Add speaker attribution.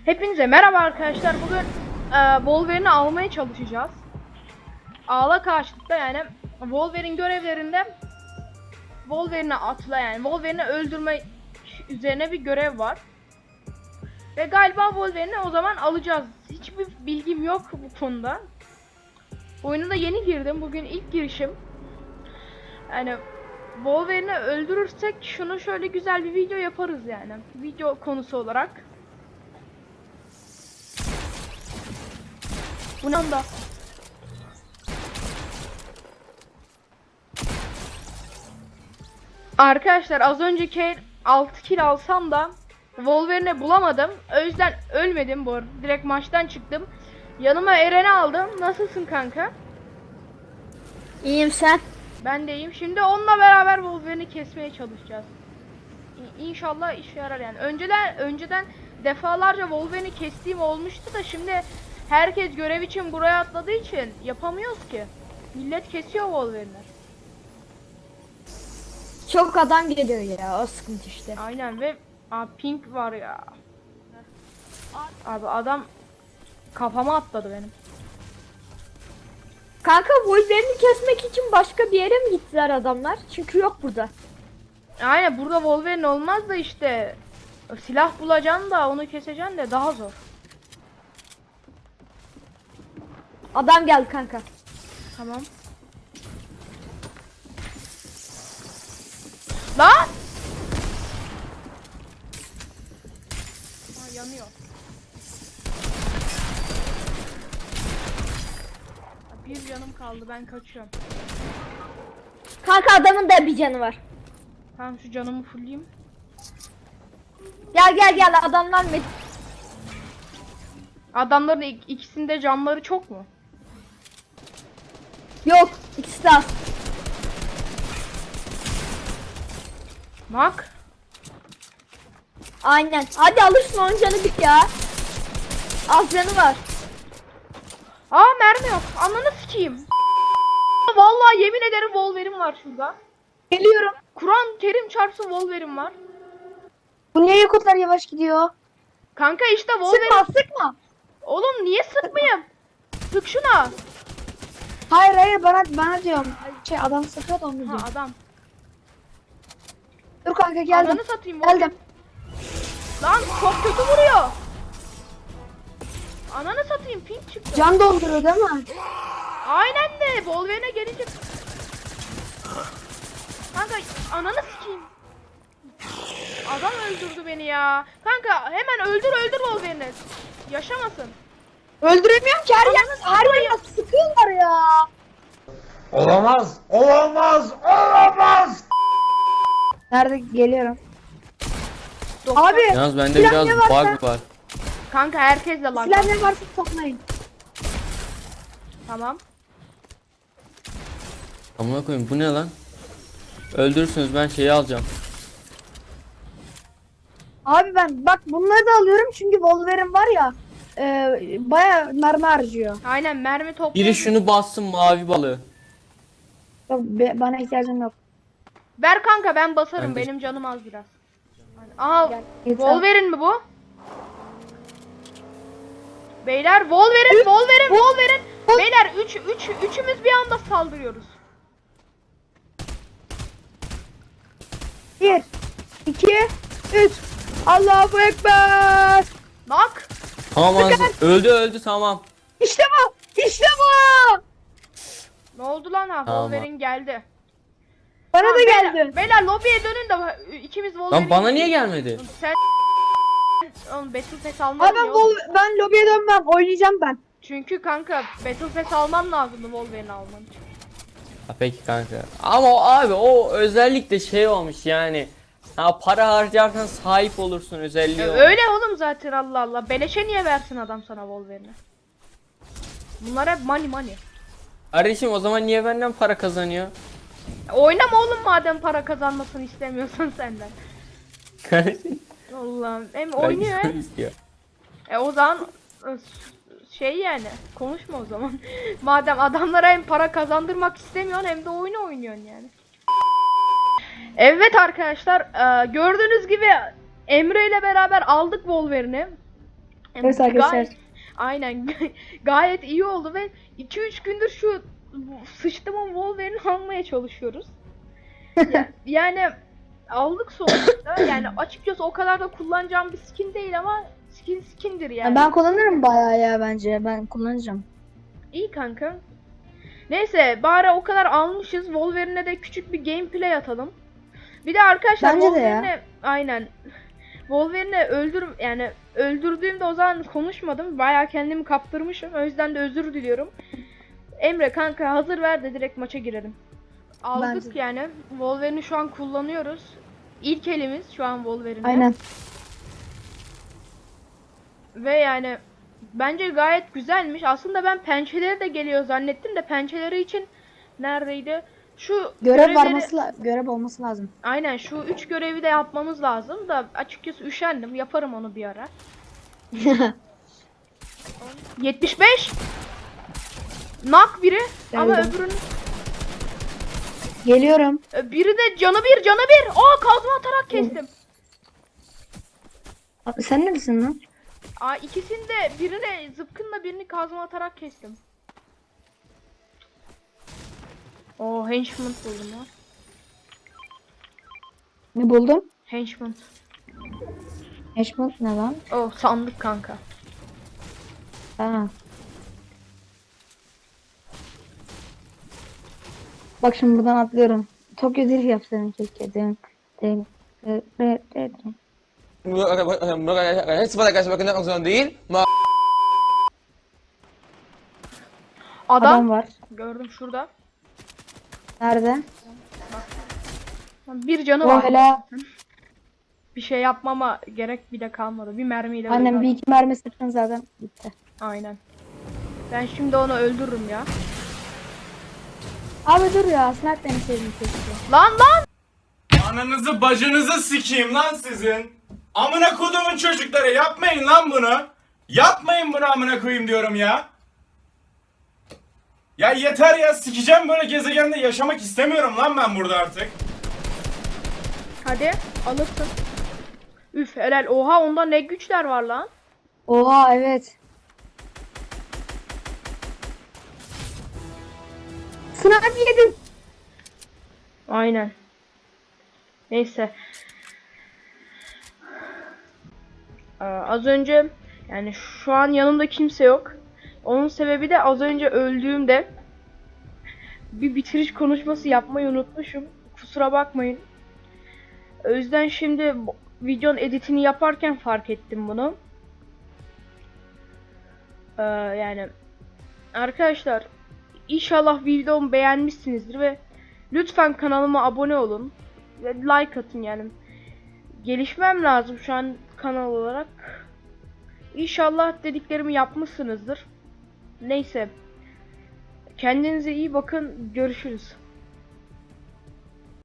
Speaker 1: Hepinize merhaba arkadaşlar. Bugün Wolverine'i almaya çalışacağız. Ağla karşılıkta yani Wolverine görevlerinde Wolverine'i atla yani Wolverine'i öldürme üzerine bir görev var. Ve galiba Wolverine'i o zaman alacağız. Hiçbir bilgim yok bu konuda. Oyuna da yeni girdim. Bugün ilk girişim. Yani Wolverine'i öldürürsek şunu şöyle güzel bir video yaparız yani. Video konusu olarak. Bu ne anda? Arkadaşlar az önceki 6 kill alsam da Wolverine'i bulamadım. O yüzden ölmedim bu arada. Direkt maçtan çıktım. Yanıma Eren'i aldım. Nasılsın kanka?
Speaker 2: İyiyim sen.
Speaker 1: Ben de iyiyim. Şimdi onunla beraber Wolverine'i kesmeye çalışacağız. İnşallah işe yarar yani. Önceden defalarca Wolverine'i kestiğim olmuştu da şimdi herkes görev için buraya atladığı için yapamıyoruz ki. Millet kesiyor Wolverine'i.
Speaker 2: Çok adam geliyor ya, o sıkıntı işte.
Speaker 1: Aynen ve pink var ya. Abi adam kafama atladı benim.
Speaker 2: Kanka Wolverine'i kesmek için başka bir yere mi gittiler adamlar? Çünkü yok burada.
Speaker 1: Aynen burada Wolverine olmaz da işte silah bulacaksın da onu keseceksin de daha zor.
Speaker 2: Adam geldi kanka.
Speaker 1: Tamam. Lan! Ha, yanıyor. Bir canım kaldı, ben kaçıyorum.
Speaker 2: Kanka adamın da bir canı var.
Speaker 1: Tamam şu canımı fullleyeyim.
Speaker 2: Gel adamlar mı?
Speaker 1: Adamların ikisinde canları çok mu?
Speaker 2: Yok, ikisi de az.
Speaker 1: Bak.
Speaker 2: Aynen. Hadi alırsın onun canı bir ya. Az canı var.
Speaker 1: Aa mermi yok. Ananı sikeyim. Vallahi yemin ederim Wolverine var şurada.
Speaker 2: Geliyorum.
Speaker 1: Kur'an Kerim çarpsın Wolverine var.
Speaker 2: Bu niye yakutlar yavaş gidiyor?
Speaker 1: Kanka işte Wolverine.
Speaker 2: Sıkma.
Speaker 1: Oğlum niye sıkmayayım? Sık şuna.
Speaker 2: Hayır bana diyorum. Adam sıkıyor da onu
Speaker 1: Ha
Speaker 2: diyorum.
Speaker 1: adam.
Speaker 2: Dur kanka geldim.
Speaker 1: Ananı satayım Wolverine.
Speaker 2: Geldim.
Speaker 1: Lan çok kötü vuruyor. Ananı satayım pink çıktı.
Speaker 2: Can dolduruyor değil mi?
Speaker 1: Aynen de Wolverine'e gelince. Kanka ananı sikeyim. Adam öldürdü beni ya. Kanka hemen öldür Wolverine'i. Yaşamasın.
Speaker 2: Öldüremiyorum ki her yerden sıkıyorlar ya.
Speaker 3: Olamaz, olamaz, olamaz.
Speaker 2: Nerede geliyorum?
Speaker 1: Doktor.
Speaker 2: Abi
Speaker 4: Yalnız bende
Speaker 2: silah
Speaker 4: biraz
Speaker 2: ne varsa-
Speaker 4: bug var.
Speaker 1: Kanka herkesle lan.
Speaker 2: silah ne varsa toplayın.
Speaker 1: Tamam.
Speaker 4: Amına koyayım bu ne lan? Öldürürsünüz ben şeyi alacağım.
Speaker 2: Abi ben bak bunları da alıyorum çünkü Wolverine var ya baya mermi harcıyor.
Speaker 1: Aynen mermi toplayın.
Speaker 4: Biri şunu bassın mavi balığı.
Speaker 2: Yok, bana ihtiyacım yok.
Speaker 1: Ver kanka ben basarım.
Speaker 4: Ben de-
Speaker 1: Benim canım az biraz. Aha
Speaker 2: Gel, yeter.
Speaker 1: Wolverine mi bu? Beyler Wolverine. Beyler üçümüz bir anda saldırıyoruz.
Speaker 2: 1 2 3 Allahu Ekber.
Speaker 1: Bak.
Speaker 4: Tamam ağzı. Öldü tamam.
Speaker 2: İşte bu. İşte bu.
Speaker 1: Ne oldu lan ha?
Speaker 4: Tamam.
Speaker 1: Wolverine geldi.
Speaker 2: Bana
Speaker 1: Tamam,
Speaker 2: da
Speaker 1: beyler,
Speaker 2: geldi.
Speaker 1: Beyler lobiye dönün de ikimiz Wolverine.
Speaker 4: Lan bana niye gelmedi?
Speaker 1: Sen oğlum Battle Pass alman
Speaker 2: Abi ben,
Speaker 1: ya oğlum.
Speaker 2: ben lobiye dönmem. Oynayacağım ben.
Speaker 1: Çünkü kanka Battle Pass alman lazımdı Wolverine alman için.
Speaker 4: Ha, peki kanka. Ama abi o özellikle şey olmuş yani. Ha para harcarsan sahip olursun özelliği olmuş.
Speaker 1: Öyle oğlum zaten Allah Allah. Beleşe niye versin adam sana Wolverine'i? Bunlar hep money.
Speaker 4: Kardeşim o zaman niye benden para kazanıyor?
Speaker 1: Oynama oğlum madem para kazanmasını istemiyorsan senden.
Speaker 4: Kardeşim.
Speaker 1: Allah'ım hem oynuyor
Speaker 4: Belki
Speaker 1: hem.
Speaker 4: istiyor.
Speaker 1: O zaman şey yani konuşma o zaman. Madem adamlara hem para kazandırmak istemiyorsun hem de oyunu oynuyorsun yani. Evet arkadaşlar gördüğünüz gibi Emre ile beraber aldık Wolverine'i.
Speaker 2: Evet arkadaşlar.
Speaker 1: Aynen gayet iyi oldu ve 2-3 gündür şu sıçtımın Wolverine'i almaya çalışıyoruz. Yani aldık sonuçta. Yani açıkçası o kadar da kullanacağım bir skin değil ama skindir yani.
Speaker 2: Ben kullanırım bayağı ya bence. Ben kullanacağım.
Speaker 1: İyi kanka. Neyse bari o kadar almışız. Wolverine'e de küçük bir gameplay atalım. Bir de arkadaşlar
Speaker 2: Bence de ya.
Speaker 1: Wolverine'e aynen. Wolverine'e yani öldürdüğümde o zaman konuşmadım. Bayağı kendimi kaptırmışım. O yüzden de özür diliyorum. Emre kanka hazır ver de direkt maça girelim. Aldık
Speaker 2: Bence de.
Speaker 1: yani. Wolverine'i şu an kullanıyoruz. İlk elimiz şu an Wolverine.
Speaker 2: Aynen.
Speaker 1: Ve yani bence gayet güzelmiş. Aslında ben pençeleri de geliyor zannettim de pençeleri için neredeydi? Şu
Speaker 2: Görev olması lazım.
Speaker 1: Aynen şu 3 görevi de yapmamız lazım da açıkçası üşendim. Yaparım onu bir ara. 75. Nak biri ama
Speaker 2: Geldim.
Speaker 1: öbürünün
Speaker 2: Geliyorum.
Speaker 1: biri de canı bir. Aa kazma atarak kestim.
Speaker 2: Abi sen neredesin lan?
Speaker 1: Aa ikisini de birini zıpkınla birini kazma atarak kestim. O henchman buldum ya.
Speaker 2: Ne buldum?
Speaker 1: Henchman.
Speaker 2: Eşmut ne lan?
Speaker 1: Oh sandık kanka.
Speaker 2: Ha. Bak şimdi buradan atlıyorum. Tokyo Drift yapsaydım keşke.
Speaker 5: Seperti sebagai langsung değil.
Speaker 2: Adam var.
Speaker 1: Gördüm şurada.
Speaker 2: Nerede?
Speaker 1: Bir canı
Speaker 2: O
Speaker 1: var.
Speaker 2: hala
Speaker 1: Bir şey yapmama gerek bile kalmadı. Bir mermiyle
Speaker 2: annem
Speaker 1: öldü.
Speaker 2: bir iki mermi sıktın zaten bitti.
Speaker 1: Aynen. Ben şimdi onu öldürürüm ya.
Speaker 2: Abi dur ya sniper sevdim keşke.
Speaker 1: Lan!
Speaker 6: Ananızı bacınızı sikeyim lan sizin. Amına kodumun çocukları yapmayın lan bunu. Yapmayın bunu amına koyayım diyorum ya. Ya yeter ya sikeceğim böyle gezegende yaşamak istemiyorum lan ben burada artık.
Speaker 1: Hadi alırsın. Üf helal. Oha onda ne güçler var lan.
Speaker 2: Oha evet. Sniper yedim.
Speaker 1: Aynen. Neyse. Az önce yani şu an yanımda kimse yok. Onun sebebi de az önce öldüğümde bir bitiriş konuşması yapmayı unutmuşum. Kusura bakmayın. O yüzden şimdi videonun editini yaparken fark ettim bunu. Yani arkadaşlar inşallah videomu beğenmişsinizdir ve lütfen kanalıma abone olun ve like atın yani. Gelişmem lazım şu an kanal olarak. İnşallah dediklerimi yapmışsınızdır. Neyse. Kendinize iyi bakın. Görüşürüz.